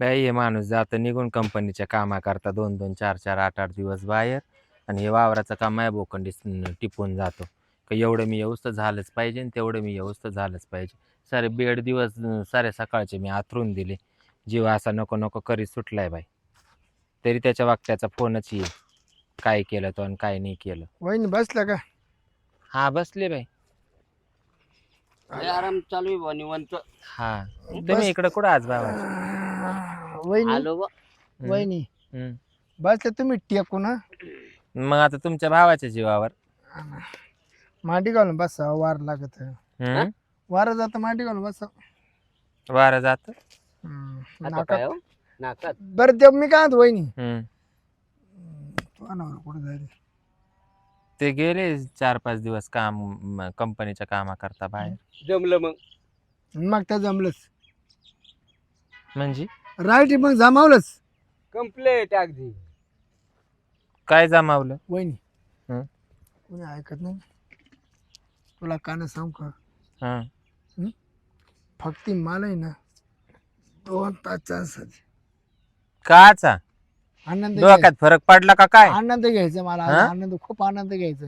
बाई हे माणूस जातं निघून कंपनीच्या कामा करता 2-2, 4-4, 8-8 दिवस बाहेर आणि हे वावराचं काम माझ्या बोकंडी टिपून जातो. का एवढं मी येऊस तर झालंच पाहिजे आणि तेवढं मी येऊस तर झालंच पाहिजे. सारे बेड दिवस सारे सकाळचे मी आथरून दिले. जीव असा नको नको करीत सुटलाय बाई. तरी त्याच्या वागत्याचा फोनच येईल. काय केलं तो आणि काय नाही केलं. वहिनी बसला का? हा बसले बाई. लय आराम चालू आहे बुवा, निवांत. हा तुम्ही इकडं कुठं आज बाबा? वहिनी आलो बुवा. वहिनी बसले तुम्ही टेकून हा? मग आता तुमच्या भावाच्या जीवावर मांडी घालून बसा वार लागत वार जात मांडी घालून बसा. वारं जात. आता काय हो? नाकात बरं ते मी काय म्हणतो वहिनी तू अनावर कुठे जायला? ते गेले 4-5 दिवस काम कंपनीच्या कामा करता बाहेर. जमलं मग. मग त्या जमलंच म्हणजे राईट मग जमावलंच कम्प्लेट अगदी. काय जमावलं? वहिनी हं? कोणी ऐकत नाही तुला कान सांग का हा फक्त मला आहे ना 2 तास चान्स काचा आनंद डोक्यात फरक पडला का काय? आनंद घ्यायचा मला आज हा? आनंद खूप आनंद घ्यायचा.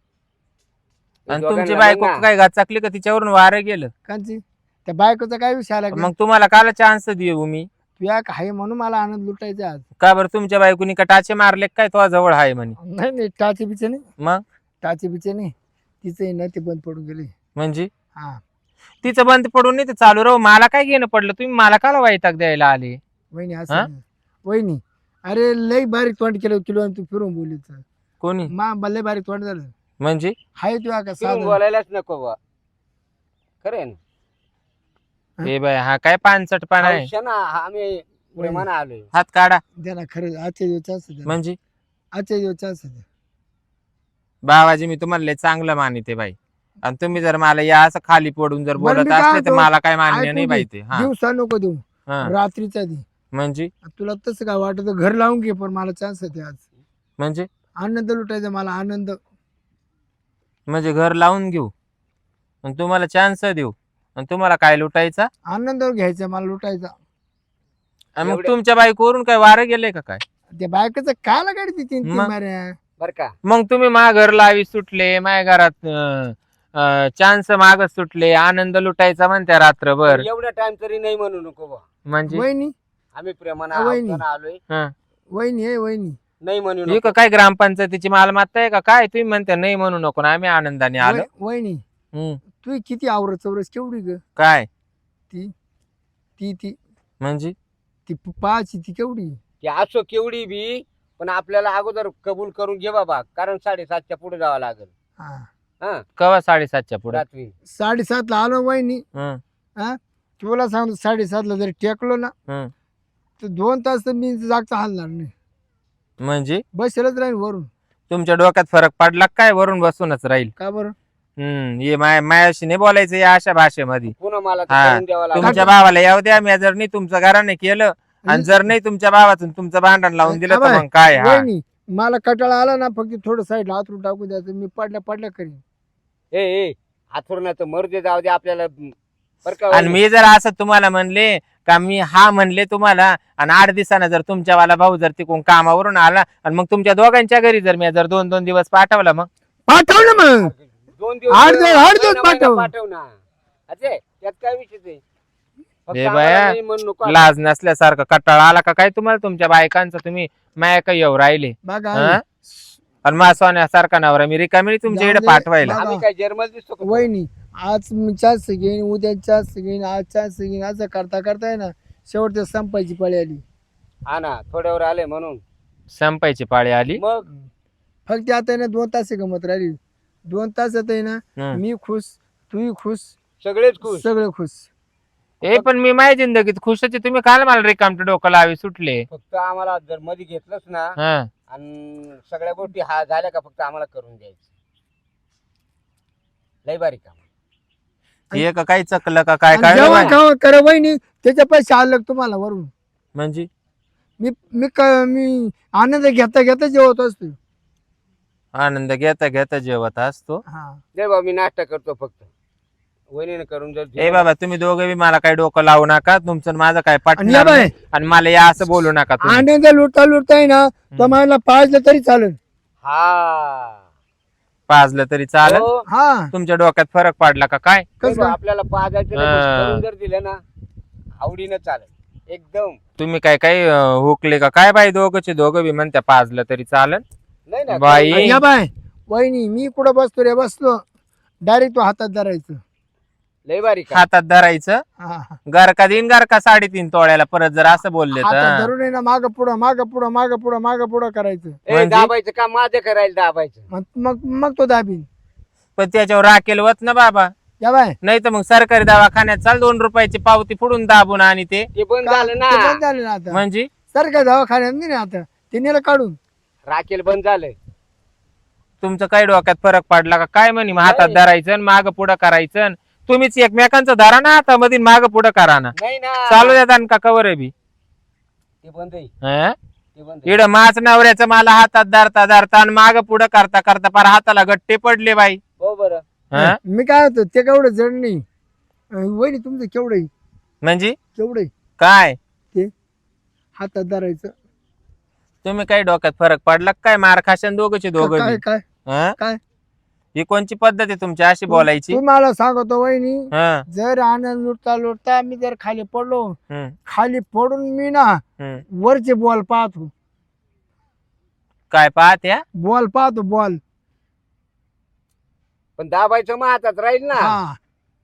आणि तुमची बायको काय गाचाकली का तिच्यावरून वारं गेलं? कांची त्या बायकोचा काय विषय आला मग तुम्हाला काला चान्स देऊ मी? तू या आहे म्हणून मला आनंद लुटायचा आज. का बरं तुमच्या बायकोनी का टाचे मारले काय तो जवळ आहे म्हणे? नाही नाही टाचे बिचे नाही मग टाचे बिचे नाही तिचं ना ते बंद पडून गेले. म्हणजे हा तिचं बंद पडून नाही ते चालू राहू. मला काय घेणं पडलं? तुम्ही मला काला वैताग द्यायला आले? वहिनी हा? असं नाही. वहिनी अरे लई बारीक तोंड केलं किलो आणि तू फिरून बोलीच कोणी लई बारीक तोंड झालं म्हणजे? हाय तू का फिरून साधं बोलायलाच नको बुवा. खरं आहे ना. ए बाय हा काय पानसटपणा आहे? हौशा ना, आम्ही प्रेमानं आलोय. हात काढा. द्या ना खरं आजच्या दिवस चान्स द्या म्हणजे आजच्या दिवस चान्स द्या. बाबाजी मी तुम्हाला लय चांगलं मानिते बाई आणि तुम्ही जर मला या असं खाली पडून जर बरं, बोलत मी काय असले तर म्हणतो, मला काय मान्य ऐकून नाही घे. बाई ते. हा दिवसा नको देऊ हा. रात्रीचा दे. म्हणजे तुला तसं काय वाटत घर लावून घे पण मला चान्स आहे आज म्हणजे आनंद लुटायचा मला आनंद. म्हणजे घर लावून घेऊ आणि तुम्हाला चान्स देऊ आणि तुम्हाला काय लुटायचा? आनंद घ्यायचा मला लुटायचा. आणि मग एवढ्या- तुमच्या बाईकवरून काय वारं गेलंय का काय? त्या बायकोचं काय लागायची तीन तीन मग? माऱ्या बर का. मग तुम्ही घर लावी सुटले माझ्या घरात चान्स माग सुटले आनंद लुटायचा म्हणत्या रात्रभर. एवढा टाइम तरी नाही म्हणू नको बुवा. म्हणजे वहिनी आम्ही प्रेमानं वहिनी. हौशानं आलोय. हा. वहिनी आहे वहिनी नाही म्हणू ही नको. काय ग्रामपंचायतीची मालमत्ता आहे का काय? तुम्ही म्हणता नाही म्हणू नको ना आम्ही आनंदाने आलो. वहिनी हम्म. तू किती आवरत चौरस केवढी ग काय ती ती ती म्हणजे? ती पाहाची ती केवढी की असो केवढी बी पण आपल्याला अगोदर कबूल करून घे बाबा, कारण 7:30च्या पुढे जावं लागेल. हा हा कवा 7:30च्या पुढे? रात्री 7:30 आलो वहिनी. हं, हा तुला सांगतो 7:30 जरी टेकलो ना हं. तर 2 तास तर मी जागता हलणार नाही म्हणजे बसेलच राहील वरून. तुमच्या डोक्यात फरक पडला काय? वरून बसूनच राहील. का बरं हे मायाशी नाही बोलायचं या अशा भाषेमध्ये. पुन्हा मला ते हा. करून द्यावं लागेल. तुमच्या भावाला येऊ द्या. मी जर नाही तुमचं घराने केलं आणि जर नाही तुमच्या भावातून तुमचं भांडण लावून दिलं तर मग काय? हा वहिनी मला कटाळा आला ना फक्त थोडं साईडला हातरून टाकून द्यायचं मी पडल्या करीन. ए हातवरणाचं मरू दे, जाऊ दे आपल्याला. बर का आणि मी जर असं तुम्हाला म्हणले का मी हा म्हणले तुम्हाला आणि 8 दिवसानं जर तुमच्यावाला भाऊ जर तिकडून कामावरून आला आणि मग तुमच्या दोघांच्या घरी जर मी जर 2-2 दिवस पाठवला मग पाठव ना मग 2 दिवस 8 दिवस महिना पाठव. पाठव ना. अजय त्यात काय विषय आहे? फक्त ए आम्हाला बाया, नाही म्हणू नको. लाज नसल्यासारखं कटाळा आला का काय तुम्हाला तुमच्या बायकांचं? तुम्ही माया काही येऊ राहिले बघा हा? आणि मा सोन्यासारखा नवरा मी रिकामी तुमच्या इकडे जाऊ दे. पाठवायला. आम्ही काय जर्मल दिसतो का? वहिनी आज मी चान्स घेईन उद्या चान्स घेईन आज चान्स घेईन असं करता करताय ना शेवटच्या संपायची पळी आली. हा ना, थोड्यावर आले म्हणून. संपायची पाळी आली. मग फक्त आता आहे ना 2 तास गमत राहिली 2 तासात आहे ना हं. मी खुश तूही खुश सगळेच खुश. सगळे खुश. पण मी माझ्या जिंदगीत खुशाची तुम्ही काल मला रिकामटे डोकं लावी सुटले. फक्त आम्हाला जर मध्ये घेतलंच ना हा आणि सगळ्या गोष्टी हा झाल्या का फक्त आम्हाला करून द्यायचं. लय बारीक काम. हे का काही चकलं का काय आणि काय जेवण नाही? खावं करा वहिनी त्याच्या पैसे आलं का तुम्हाला वरून. म्हणजे मी मी आनंद घेता घेता जेवत असतो. आनंद घेता घेता जेवत असतो. हा दे बाबा, मी नाश्ता करतो फक्त. वहिनीने करून जर ए बाबा तुम्ही दोघे बी मला काही डोकं लावू नका, तुमचं आणि माझं काय आणि या पटणार बाय नाही. आणि मला या असं बोलू नका तुम्ही. आनंद लुटता लुटता आहे ना तर मला पाजलं तरी चालेल. हा पाजलं तरी चालेल. हो. हा तुमच्या डोक्यात फरक पडला का काय? कसं बघ, आपल्याला पाजायचं नाही, हा. करून जर दिलं ना आवडीनं चालेल एकदम. तुम्ही काय काय हुकले का काय बाई? दोघं बी म्हणत्या पाजलं तरी चालेल. नाही ना बाई. आणि या बाय वहिनी मी कुठं बसतो रे बसलो डायरेक्ट तो हातात धरायचं. लय बारीक आहे. हातात धरायचं. हा, हा. घर देईन घर का 3.5 तोळ्याला परत जर असं बोलले हातात तर धरून आहे ना माग पुढं माग पुढं माग पुढं माग पुढं करायचं. ए, दाबायचं का माझं करायला दाबायचं. मग मग मग तो दाबीन. पण त्याच्यावर राखेल वत ना बाबा. या बाय नाही तर मग सरकारी दवाखान्यात चाल 2 रुपयाची पावती फोडून दाबून आणि ते ते बंद का- झालं ते ना. बंद झालं ना आता. म्हणजे सरकारी दवाखान्यात नाही ना आता ते नेलं काढून. राखेल बंद झालंय. तुमचं काही डोक्यात फरक पडला का काय? म्हणे मग हातात नाही. धरायचं माग पुढं करायचं. तुम्हीच एकमेकांचं धरा ना हातामध्ये माग पुढं करा ना. नाही ना चालू देतात का कवर आहे बी? ते बंद आहे हं? ते बंद आहे. इकडं माझ नवऱ्याचं मला हातात धरता धरता आणि माग पुढं करता करता पार हाताला गट्टे पडले बाई. हो बरं हं? मी काय होतो ते केवढं जड नाही. वहिनी तुमचं केवढं आहे? म्हणजे केवढं आहे? काय ते हातात धरायचं. तुम्ही काही डोक्यात फरक पडला का काय? मार खाशान दोघंचे दोघं काय बी. काय हं? काय? ही कोणची पद्धत आहे तुमची अशी बोलायची? तुम्हाला सांगतो वहिनी हं, जर आनंद लुटता लुटता मी जर खाली पडलो हं, खाली पडून मी ना हं. वरचे बॉल पाहतो. काय पाहत्या? बॉल पाहतो बॉल. पण दाबायचं मग हातात राहील ना. हा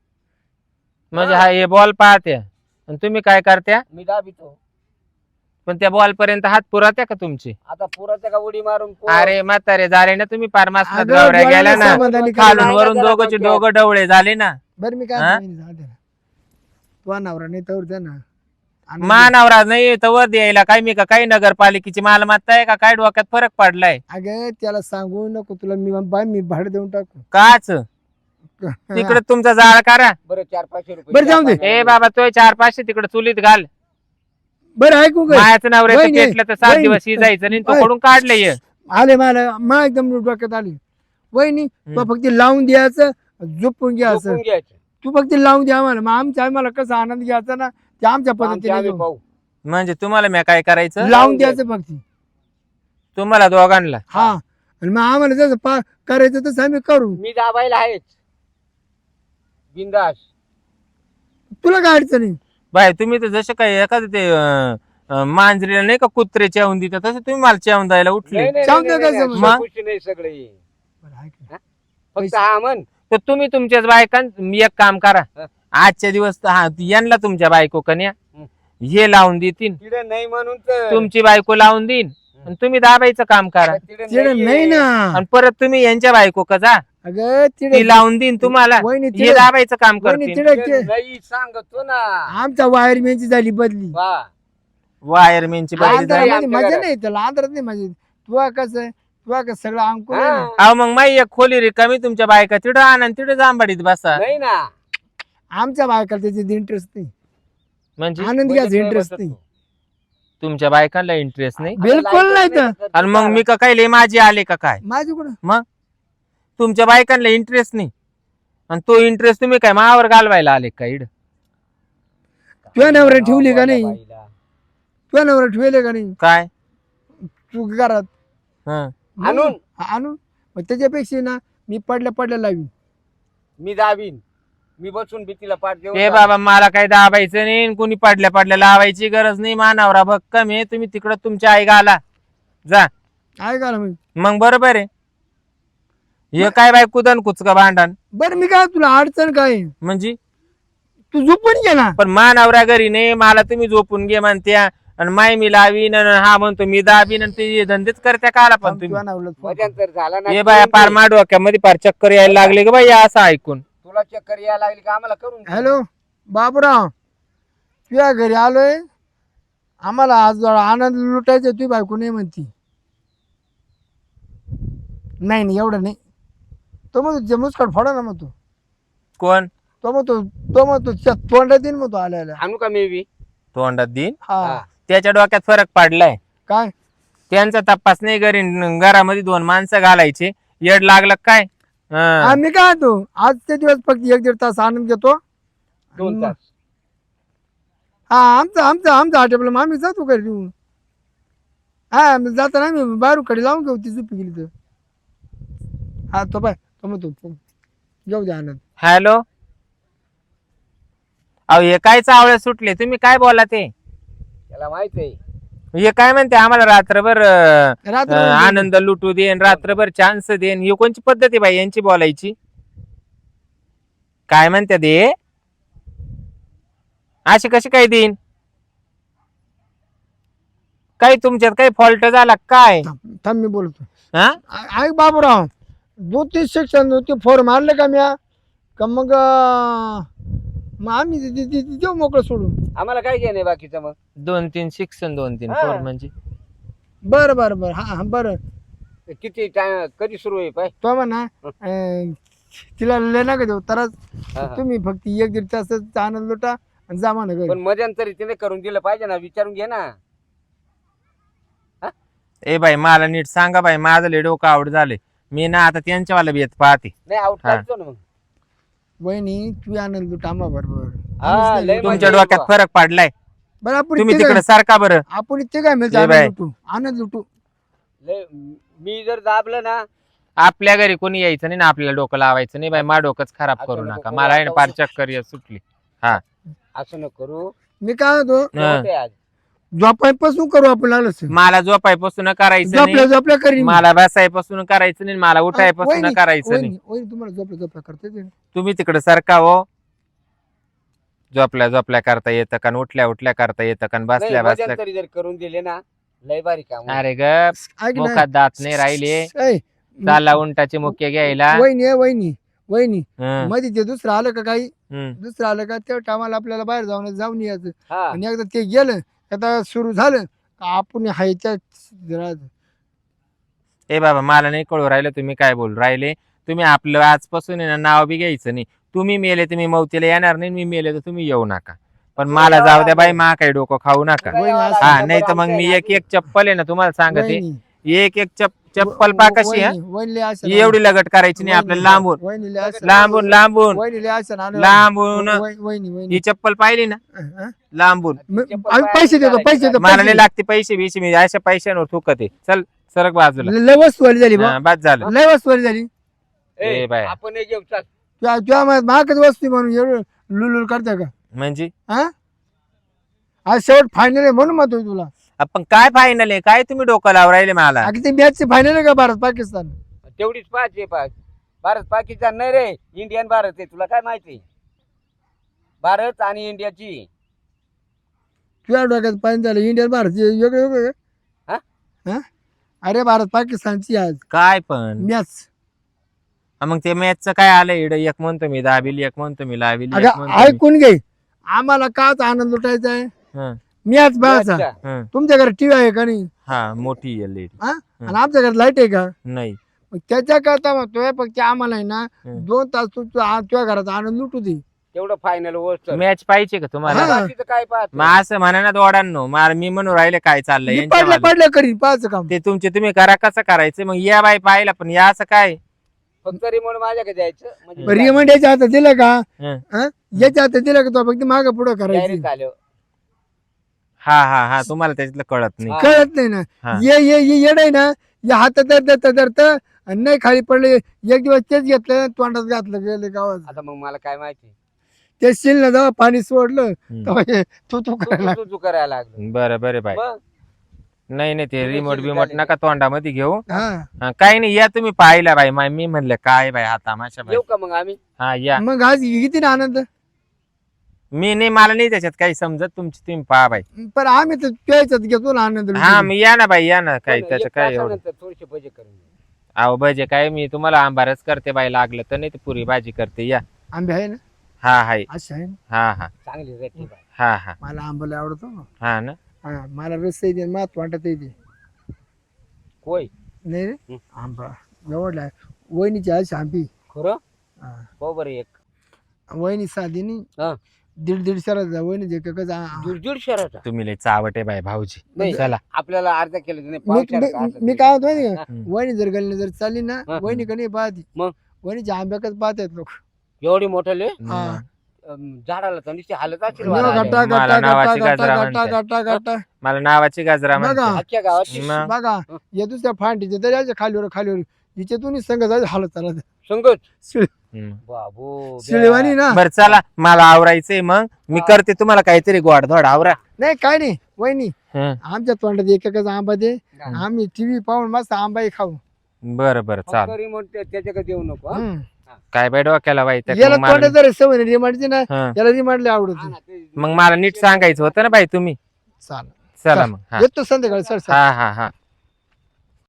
म्हणजे हा हे बॉल पाहत्या आणि तुम्ही काय करत्या? मी दाबितो. पण त्या बॉल पर्यंत हात पुरात्या का तुमची? आता पुराच्या का उडी मारून अरे म्हातारे झाले ना तुम्ही पार मासनात अगं, गावऱ्या गेल्या डोळ्याला ना. समाधानी खालून करायला. वरून दोघंचे दोघं डवळे झाले ना. बरं मी काय हा? म्हणतो वहिनी, जाऊ दे ना. तुझा नवरा नाही तर द्या ना. आणि मानवरा नाही तर वर द्यायला काय मी का काही नगरपालिकेची मालमत्ता आहे का काय? डोक्यात फरक पडलाय अगं त्याला सांगू नको तुला मी भाडं देऊन टाकू. काच तिकडे तुमचा जाळ करा. बरं 400-500 रुपये. बरं, जाऊ दे. ए बाबा तो 400-500 तिकडे चुलीत घाल. बरं ऐकू काय मायाचं नवऱ्याचं वहिनी, पेटलं तर 7 दिवस वहिनी. शिजायचं नाही. तो वहिनी. कडून काढलंय. आले मला एकदम डोक्यात आली. वहिनी तू फक्त लावून द्यायचं झोपून घ्यायचं. झोपून घ्यायचं. तू फक्त लावून द्या आम्हाला मग आम्हाला कसा आनंद घ्यायचा ना ते आमच्या आमचे पद्धतीने आम्ही घेऊ. पाहू. म्हणजे तुम्हाला मी काय करायचं? लावून द्यायचं फक्त. तुम्हाला दोघांना हा आणि मग आम्हाला जसं करायचं तसं आम्ही करू. मी दाबायला आहेच बिंदास. तुला काय अडचण आहे? बाय तुम्ही तर जसे काय एखादं ते मांजरीला नाही का कुत्रे चेवून देतात तसं तुम्ही मला चेवून द्यायला उठले. नाही, नाही, सांगतो नाही, काय नाही, समज? नाही, अशा गोष्टी नाही सगळे. बरं, ऐक ना. फक्त हा म्हण. तर तुम्ही तुमच्याच बायकां मी एक काम करा. हं. आजच्या दिवस तर हा यांना तुमच्या बायको कन्या हं. हे लावून देतील. तिकडे नाही म्हणून तर. तुमची बायको लावून देईन आणि तुम्ही दाबायचं काम करा. तिकडे तिकडे नाहीये. नाही ना. आणि परत तुम्ही यांच्या बायको का जा अगं ती तिकडे लावून देईन तुम्हाला. वहिनी हे तिकडे दाबायचं काम वहिनी करतील. तिकडे तिकडे नाही सांगतो ना. आमच्या वायरमॅनची झाली बदली. वा वायरमॅनची बाई आंध्र- झाली. आंध्रामध्ये आमच्या मजा घरात. नाही त्याला आंध्रात नाही मजा. तुला कसं आहे तुला कसं सगळं अंकुर आहे ना. हा. अहो मग माई एक खोली रिकामी तुमच्या बायका तिथं आणा आणि तिथं जांभाडीत बसा. नाही ना. आमच्या बायकाला त्याच्यात इंटरेस्ट नाही. म्हणजे आनंद घ्यायचा इंटरेस्ट नाही. तुमच्या बायकांना इंटरेस्ट नाही. बिलकुल नाही तर. आणि मग मी का काय लय माझी आले का काय? माझी कुठं मग तुमच्या बायकांना इंटरेस्ट नाही आणि तो इंटरेस्ट तुम्ही काय मावर घालवायला आले का इड? तुझ्या नवऱ्या ठेवली का नाही? बाईला. तुझ्या नवऱ्या ठेवले का नाही काय? तू घरात हं. आणून आणून मग त्याच्यापेक्षा ना मी पडल्या लावी. मी दाबीन. मी बसून भीतीला पाठ देऊन ए बाबा मला काही दाबायचं नाही आणि कोणी पडल्या लावायची गरज नाही. मानावरा भक्कम आहे. तुम्ही तिकडं तुमच्या आई घाला जा. ऐका ना मग बरोबर आहे. हे काय बाय कुदन कुचका भांडण बरं मी काय तुला अडचण काय आहे? म्हणजे? तू झोपून घे ना. पण मानावरा घरी नाही मला तुम्ही झोपून घे म्हणत्या आणि माय मी लावीन आणि हा म्हणतो मी दाबीन आणि ते धंदेच करत्या काला पण तुम्ही. तुझ्या नवऱ्याला फोन कर. मध्यांतर झाला ना. हे बाया पार मा डोक्यामध्ये पार चक्कर यायला लागले का बाई असं ऐकून. तुला चक्कर यायला लागली का आम्हाला करून दे. हॅलो बाबूराव तुझ्या घरी आलोय. आम्हाला आज आनंद लुटायचा तुझी बायको नाही म्हणती. नाही एवढं नाही. तो मग जे मुस्काट फोडा ना मग कोण तो मग तो तोंडात येईन मग तो आल्याला. आणू का मी बी? तोंडात देईन. हा त्याच्या डोक्यात फरक पडलाय. काय त्यांचा तपास नाही घरी घरामध्ये 2 माणसं घालायचे. येड लागलं काय? हा. आम्ही काय होतो आजचे दिवस फक्त 1-1.5 तास आनंद घेतो 2 तास हा आमचा हॉटेल आम्ही जातो घरी घेऊन हा जाताना आम्ही बाहेर कडे लावून घेऊ ती झोपी गेली तर हा तो पाय तो म्हणतो घेऊ द्या आनंद हॅलो, अहो हे काय चावळे सुटले, तुम्ही काय बोला ते? त्याला माहित आहे. हे काय म्हणते आम्हाला रात्रभर रात्र आनंद लुटू देन, रात्रभर चान्स देन, ही कोणची पद्धत आहे बाई यांची बोलायची? काय म्हणते ते? अशी कशी काय देईन? काही तुमच्यात काही फॉल्ट झाला काय? थांब मी बोलतो हा? ऐक बाबूराव 2-3 सेक्शन होते फोर मारले का म्या का मग आम्ही देऊ मोकळं सोडून आम्हाला काय घेणे बाकीचं मग 2-3 शिक्षण 2-3 हा. फोर म्हणजे बरं हा बरं किती टाइम कधी सुरू आहे पाय तो म्हणा तिला लय नका देऊ तरच हा, हा. तुम्ही फक्त 1-1.5 तासाचा आनंद लुटा आणि जा म्हणा घरी पण मध्यंतरी तिने करून दिलं पाहिजे ना, विचारून घे ना. ए बाई मला नीट सांगा बाई, माझं लय डोकं आवड झाले. मी ना आता त्यांच्यावाला बेत पाहते. नाही आउट हा. काढतो ना मग. वहिनी तू आनंद लुटा आम्हा बरोबर हा, लय तुमच्या मजा डोक्यात फरक पडलाय, बरं आपण तुम्ही इथे तिकडे काय सारखा बरं. आपण इथे काय मिळतं लय बाय. आनंद लुटू लय मी जर दाबलं ना आपल्या घरी कोणी यायचं नाही ना, आपल्याला डोकं लावायचं नाही बाई, मा डोकंच खराब असं करू नको नका. करू, मला आहे ना आता फार चक्कर येत सुटली. असं न करू. मी काय होतो हा. होतंय आज. झोपायपासून करू आपण लागलं मला झोपायपासून करायचं झोपल्या नाही, झोपल्या करी मला बसायपासून करायचं नाही, मला उठायपासून करायचं नाही. तुम्हाला झोपल्या करते ते. तुम्ही तिकडे सारखा हो. झोपल्या करता येतं का, उठल्या करता येतं का, नाही, बसल्या मध्यंतरी जर करून दिले ना लय भारी काम होईल. अरे ग ऐक ना मुखात दात नाही राहिले, ऐ, चाला उंटाचे मुख्य घ्यायला. वहिनी हं, मध्ये ते दुसरं आलं का काही हं. दुसरं आलं का त्या टायमाला आपल्याला बाहेर जाऊन यायचं हा आणि एकदा ते गेलं आता सुरू झालं का आपण हायच्या ए बाबा मला नाही कळू राहिलं तुम्ही काय बोलू राहिले. तुम्ही आपलं आजपासून आहे ना नाव बी घ्यायचं नाही. तुम्ही मेले तुम्ही मौतीला येणार नाही, मी मेले तर तुम्ही येऊ नका. पण मला जाऊ द्या बाई, मा काही डोकं खाऊ नका. वहिनी असं- हा नाही तर मग मी एक चप्पल आहे ना तुम्हाला सांगते, एक चप्पल पा कशी हा एवढी लगट करायची नाही, आपल्याला लांबून लांबून लांबून लांबून ही चप्पल पाहिली ना लांबून. पैसे देतो मला नाही लागते पैसे बिशे, मी अशा पैशांवर थुकते. चल सरक बाजूला. लय वस्तू झाली हा, बस झालं. लय वस्तू झाली ए बाय. आपण हे घेऊ चल. तुझ्या महागच वस्तू म्हणून एवढं लुलुल करता का म्हणजे हा आज शेवट फायनल आहे म्हणून मत तुला आपण काय फायनल आहे, काय तुम्ही डोकं लावून राहिले मला? अगदी ते मॅच फायनल आहे का भारत पाकिस्तान तेवढीच पाहिजे भारत पाकिस्तान नाही रे, इंडियन भारत आहे. तुला काय माहिती भारत आणि इंडियाची? तुझ्या डोक्यात फायनल झालं इंडियन भारत वेगळं वेगळं हा? हा? अरे भारत पाकिस्तानची आज काय पण मॅच मग ते मॅचचं काय आलं इड, एक म्हणतो मी दाबिली, एक म्हणतो मी लाविली, एक म्हणतो मी. ऐकून घे आम्हाला काच आनंद लुटायचा आहे हं, मॅच बघायचा अच्छा. हं. तुमच्या घरात टीव्ही आहे का नाही हा मोठी एलईडी हा आणि आमच्या घरात लाईट आहे का नाही. मग त्याच्या करता म्हणतोय फक्त आम्हाला आहे ना हं. 2 तास तुझ्या घरात आनंद लुटू दे तेवढं फायनल गोष्ट. मॅच पाहिजे का तुम्हाला? हा. बाकीचं काय पाहत मग असं म्हणा ना दोडांनो, मला मी म्हणून राहिले काय चाललंय मी यांच्यावालं. पडलं करीन पाहायचं काम ते तुमचे तुम्ही करा, कसं करायचं मग या बाई पाहिला, पण या असं काय? फक्त रिमोट माझ्याकडे द्यायचं म्हणजे रिमंड याच्या हातात दिलं का हं. हा? याच्या हातात दिलं का तो फक्त मागं पुढं करायचं डायरेक्ट आलो. हा तुम्हाला त्याच्यातलं कळत नाही. हा. कळत नाही ना हा. ये येड आहे ना या हातात धरत आणि नाही खाली पडले एक दिवस तेच घेतलं तोंडात घातलं गेले गावात आता मग मला काय माहिती ते शिल ना जेव्हा पाणी सोडलं हं. तेव्हा हे तू तू करायला तू- तू करायला लागलो. बरं बाई. मग नाही ते तुम्ही रिमोट शिवी बिमोट झाली. नका तोंडामध्ये घेऊ. हा हा, काही नाही या तुम्ही पाहिला बाई. मी म्हणलं काय बाई हा तमाशा बाई. येऊ का मग आम्ही? हा या. मग आज किती ना आनंद मी नाही, मला नाही त्याच्यात काही समजत, तुमची तुम्ही पहा बाई. पण आम्ही तर प्यायच्यात घेतो ना आनंद हा मी या ना बाई, या ना. काय पण त्याचं एक काय एवढं? तासानंतर थोडीशी भजे करून दे. अहो भजे काय, मी तुम्हाला आंबारच करते बाई, लागलं तर नाही तर पुरी भाजी करते. या. आंबे आहे ना हा हाय. असे आहे ना हा चांगली रेटी बाय. हा मला आंबा आवडतो हा ना. हा मला रस येते मात वाटत येते होय नाही रे हं. आंबा एवढला वहिनीची आज आंबी खरं हा. हो बरं एक वहिनी साधी नाही हा. 150 वहिनी जे का दीड शहराचा तुम्ही लय चावटे बाई भाऊजी. नाही. चला. आपल्याला अर्धा केलं नाही मी काय होत माहिती का हं. वहिनी जर गल्ली जर चालली ना हा. वहिनी का नाही पाहती मग? कोणीच्या आंब्याकच पाहत आहेत लोक. एवढी मोठे हा. झाडाला तर नुसती हालत असेल यो, वाला. गट्टा मला गट्टा नावाची गट्टा गाजरा गट्टा म्हणतात. गट्टा गट्टा मला नावाची गाजरा बघा. म्हणते. अख्ख्या गावात मग बघा या दुसऱ्या फांटीचे तरी याच्या खालीवर हिच्यातून संघ जायचं हालत चालत संगत हम्म. बाबू शिळेवानी ना. बरं चला मला आवरायचंय मग मी करते तुम्हाला काहीतरी गोडधोड आवरा. नाही काय नाही वहिनी हं. आमच्या तोंडात एकच आंबा दे. आम्ही टीव्ही पाहून मस्त आंबाही खाऊ. बरं बरं चाल. रिमोट त्याच्याकडे देऊ नको हा? हम्म. काय बाय डोक्याला वाईट याला तोंडात जर सवय रिमांडची ना हं. याला रिमांडले आवडत. हा ना, ते- मग मला नीट सांगायचं होतं ना बाई तुम्ही. चाल चला मग हा येतो संध्याकाळी सर. हा हा हा